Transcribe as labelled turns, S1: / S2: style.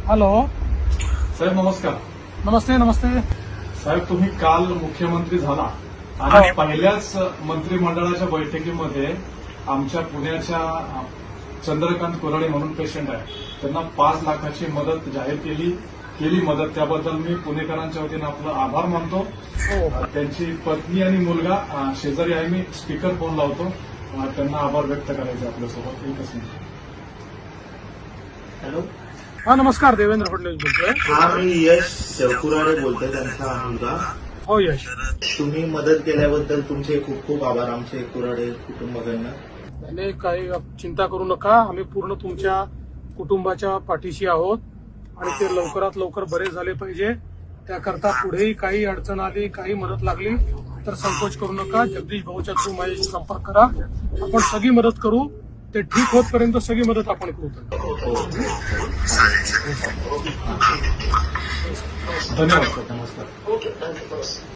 S1: Hello.
S2: साहेब नमस्कार.
S1: नमस्ते. नमस्ते.
S2: साहेब तुम्ही काल मुख्यमंत्री झाला आणि पहिल्याच मंत्रिमंडळाच्या बैठकीमध्ये आमच्या पुण्याच्या चंद्रकांत कुराडे म्हणून पेशंट आहे त्यांना 5 लाखाची मदत जाहीर केली मदत. त्याबद्दल मी पुणेकरांच्या वतीनं आपलं आभार मानतो. त्यांची पत्नी आणि मुलगा शेजारी आहे. मी स्पीकर फोन लावतो, त्यांना आभार व्यक्त करायचे आपल्यासोबत. एकच मिनिट.
S3: हॅलो.
S1: हा नमस्कार. देवेंद्र फडणवीस बोलतोय.
S3: हा मी यश कुराडे बोलतोय, त्यांचा मुलगा.
S1: हो यश.
S3: तुम्ही मदत केल्याबद्दल तुमचे खूप खूप आभार आमचे कुराडे कुटुंबाकडनं.
S1: त्याने काही चिंता करू नका, आम्ही पूर्ण तुमच्या कुटुंबाच्या पाठीशी आहोत आणि ते लवकरात लवकर बरे झाले पाहिजे. त्याकरता पुढेही काही अडचण आली, काही मदत लागली तर संकोच करू नका. जगदीश भाऊच्या थ्रू माझ्याशी संपर्क करा. आपण सगळी मदत करू. ते ठीक होतपर्यंत सगळी मदत आपण करू.
S2: धन्यवाद सर. नमस्कार.